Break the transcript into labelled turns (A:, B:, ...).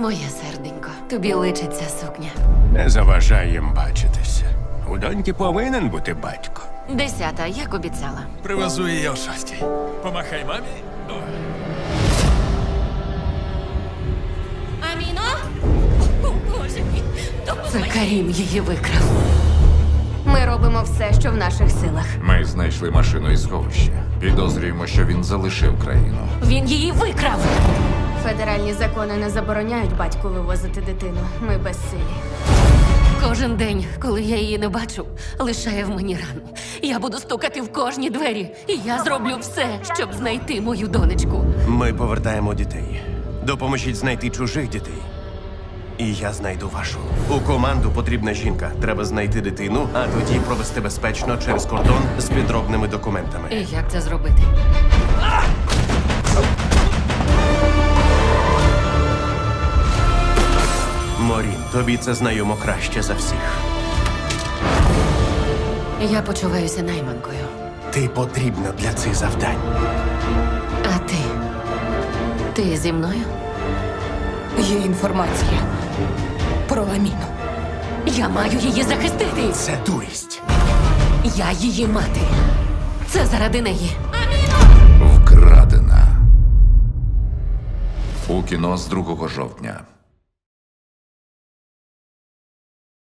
A: Моє серденько, тобі личить ця сукня.
B: Не заважай їм бачитися. У доньки повинен бути батько.
A: 10, як обіцяла.
C: Привезу її о 6. Помахай мамі.
A: Аміно? О, Боже мій, це Карім її викрав. Ми робимо все, що в наших силах.
D: Ми знайшли машину із сховища. Підозрюємо, що він залишив країну.
A: Він її викрав. Федеральні закони не забороняють батьку вивозити дитину. Ми безсилі. Кожен день, коли я її не бачу, лишає в мені рану. Я буду стукати в кожні двері. І я зроблю все, щоб знайти мою донечку.
B: Ми повертаємо дітей. Допоможіть знайти чужих дітей. І я знайду вашу. У команду потрібна жінка. Треба знайти дитину, а тоді провести безпечно через кордон з підробними документами.
A: І як це зробити?
B: Морін, тобі це знайомо краще за всіх.
A: Я почуваюся найманкою.
B: Ти потрібна для цих завдань.
A: А ти? Ти зі мною?
E: Є інформація про Аміну.
A: Я маю її захистити.
B: Це дурість.
A: Я її мати. Це заради неї.
D: Вкрадена. У кіно з 2 жовтня.